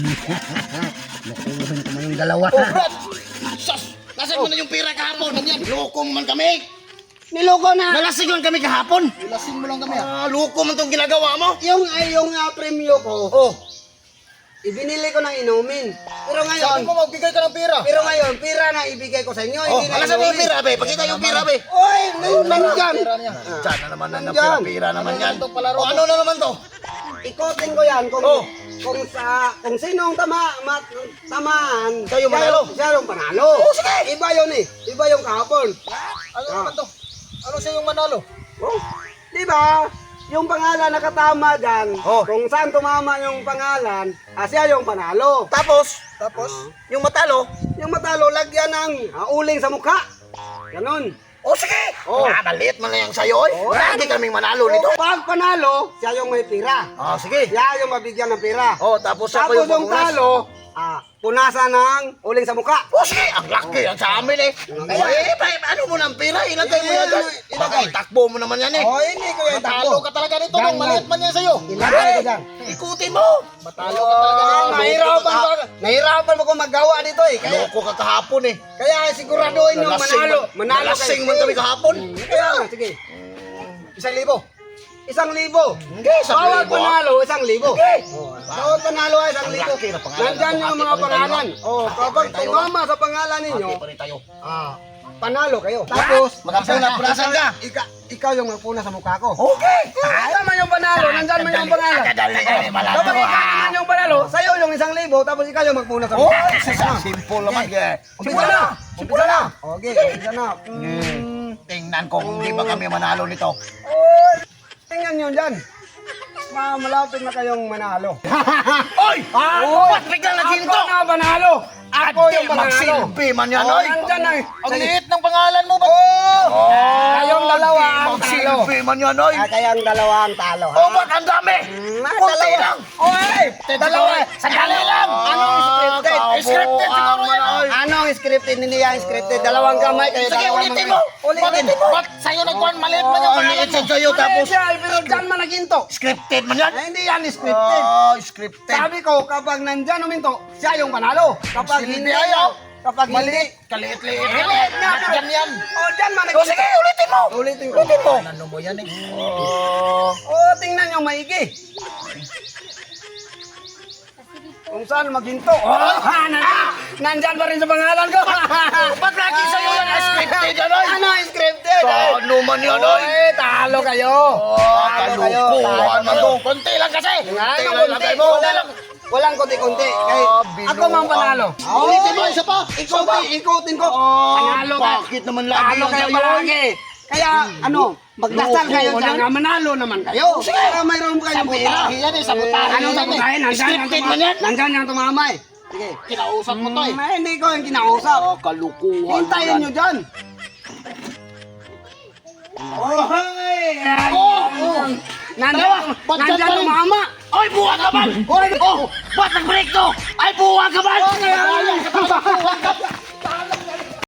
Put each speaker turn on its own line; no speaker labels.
Nakuha ko man yung dalawa.
Oh, Brad! Sus! Nasaan mo na yung pira kahapon? Ganyan, loko mo man kami!
Niloko na.
Nalasing man kami kahapon!
Lasing mo lang kami ha.
Loko man itong ginagawa mo!
Yung premyo ko,
Oh!
ibinili ko ng inumin. Pero
Sabi
ngayon,
mo magbigay ka ng pera.
pira na ibigay ko sa inyo,
Oh,
hindi na
alasan mo yung
inumin.
pira, be! Pakita yung pira, be!
Oy, nandyan.
Pera niya.
Diyan na naman na
Nandyan.
pira naman yan.
Ano to, palaro
O,
to?
ano na naman to?
Ikotin ko yan kung
Oh.
kung sinong tamaan.
Siya yung manalo.
Siya yung panalo.
Oh, sige.
Iba yun eh. Iba yung kahapon.
Ano naman to? Ano siya yung manalo?
Oh, di ba? Yung pangalan nakatama dyan,
Oh.
kung saan tumama yung pangalan, siya yung panalo.
Tapos,
Tapos,
yung matalo,
Yung matalo, lagyan ng uling sa mukha. Ganon.
o sige!
Oh.
Maliit man na yung sayo, oy!
Oh.
Lagi kaming manalo nito!
Pag panalo, siya yung may pira.
Sige!
Siya yung mabigyan ng pira.
Oh, tapos ako
Tapos
yung
yung
pamunas.
talo, punasan ng uling sa mukha.
O sige, ang laki yan sa amin eh. Ano mo ng pira? Ilagay mo yan dyan. Baka itakbo mo naman yan eh.
Oh, hindi ko yan
matalo ka talaga nito
Yan,
nung maliit man yan sa'yo.
Ilagay ko dyan.
Ikutin mo.
Matalo ka talaga nito.
Nahirapan mo kung magawa dito eh.
Loko ka kahapon eh.
Kaya siguraduhin yung manalo. Manalo
Nalasing man kami kahapon.
Kaya nga, sige.
1,000.
1,000.
Hindi, sa
Bawat
libo.
panalo, 1,000.
Hindi.
Bawat panalo ay 1,000.
Ang laki na pangalan.
Nandyan yung mga
Hati pa rin
pangalan.
tayo.
Oh, kapag
Hati pa rin tayo.
tumama sa pangalan ninyo,
Hati pa rin tayo.
panalo kayo. Tapos,
Punasan ka.
ikaw yung magpuna sa mukha ko.
Okay.
Tama yung panalo, nandyan mo yung pangalan.
Kadali ka ni malado.
Kapag ikaw naman yung panalo, sa'yo yung 1,000, tapos ikaw yung magpuna sa
Oh,
mukha.
simple naman.
Umpisa na! Umpisa na! Okay, umpisa na.
Tingnan ko kung di ba kami manalo nito.
Oh, tingnan nyo dyan. Malapit na kayong manalo.
Oy! Ba't biglang naghinto?
Ako na panalo! Ako yung panalo!
Magsilbi man yan, oy!
Nandyan na.
Ang liit ng pangalan mo ba?
Kayong dalawa ang talo.
Magsilbi man yan, oy!
Kayong dalawa ang talo.
Oh, ba't ang dami? Kunti lang!
Oy! Dalawa!
Sandali lang!
Anong scripted?
Scripted siguro yan, oy!
Anong scripted? Hindi yan scripted. Dalawang kamay. Kayo
Sige,
dalawang
ulitin
mga-
mo!
Ulitin mo!
Ba't sa'yo nagkuhan maliit man yung
Ang
pangalan
liit
mo?
sa'yo, tapos
Pero dyan man naginto.
scripted man yan!
Hindi yan scripted.
Scripted!
Sabi ko, kapag nandyan uminto, siya yung panalo. Kapag
Silbi
hindi
ayaw.
kapag hindi,
Maliit! Kaliit-liit!
Maliit nga.
Dyan yan.
Dyan man
O sige, ulitin mo!
Ulitin ko.
Ulitin mo!
Ano mo yan eh?
Tingnan nyo maigi. Kung saan maghinto. Nandyan pa rin sa pangalan ko.
Ba't lagi sa'yo yan scripted yan, oy?
Ano yung scripted?
Ano man yan, oy?
Talo kayo.
Kalukuhan man to! Konti lang kasi! Konti lang lagay mo!
Walang konti-konti. Ako mang panalo.
Ulitin mo, isa pa.
Ikutin ko. Panalo ka.
Bakit naman lagi
Talo
yung
kayo
sa'yo?
palagi. Kaya magdasal kayo dyan na manalo naman kayo. Para mayroon kayong pera.
Sabotahe yan eh, sabotahe.
Anong sabotahe?
Scripted man yan?
Nandyan yung tumamay. Sige.
Kinausap mo to eh.
Hindi ko yung kinausap.
Kalukuhan
Hintayin nyo dyan. Nandyan tumama.
Ay, buwag ka man! Oh, ba't nag-break to? Ay, buwag ka man!